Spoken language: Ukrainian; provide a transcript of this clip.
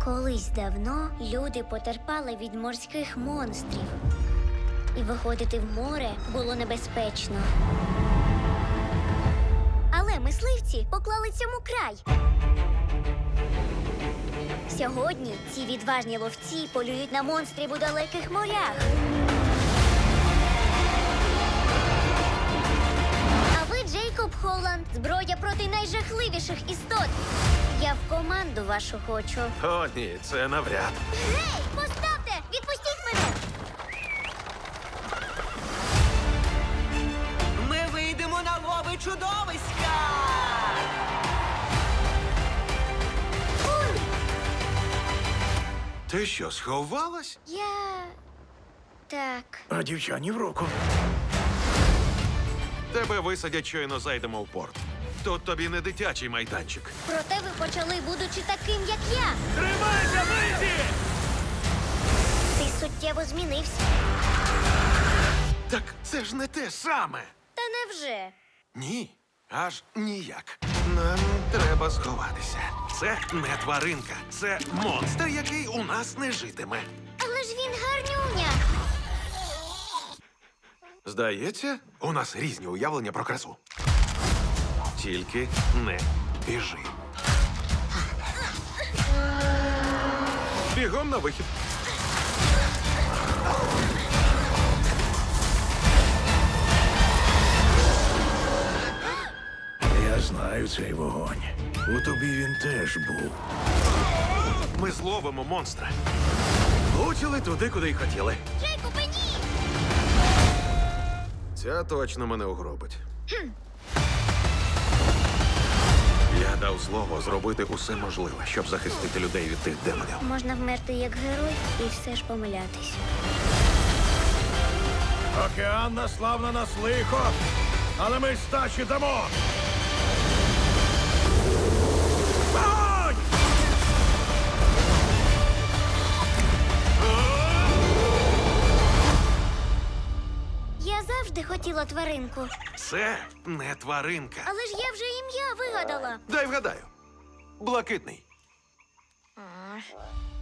Колись давно люди потерпали від морських монстрів. І виходити в море було небезпечно. Але мисливці поклали цьому край. Сьогодні ці відважні ловці полюють на монстрів у далеких морях. А ви, Джейкоб Холланд, зброя проти найжахливіших істот. Я в команду вашу хочу. О, ні, це навряд. Гей, поставте! Відпустіть мене! Ми вийдемо на лови чудовиська! Ти що, сховалась? Так. А дівчані в руку. Тебе висадять, щойно зайдемо в порт. Тут тобі не дитячий майданчик. Проте ви почали, будучи таким, як я. Тримайся, Лизі! Ти суттєво змінився. Так це ж не те саме. Та невже? Ні, аж ніяк. Нам треба сховатися. Це не тваринка, це монстр, який у нас не житиме. Але ж він гарнюня. Здається, у нас різні уявлення про красу. Тільки не біжи. Бігом на вихід. Я знаю цей вогонь. У тобі він теж був. Ми зловимо монстра. Влучили туди, куди й хотіли. Джейкобе, ні! Ця точно мене угробить. Я дав слово зробити усе можливе, щоб захистити людей від тих демонів. Можна вмерти як герой і все ж помилятись. Океан наслав на нас лихо, але ми стачі дамо. Вогонь! Я завжди хотіла тваринку. Це не тваринка. Але ж я вже ім'я вигадала. Дай вгадаю. Блакитний.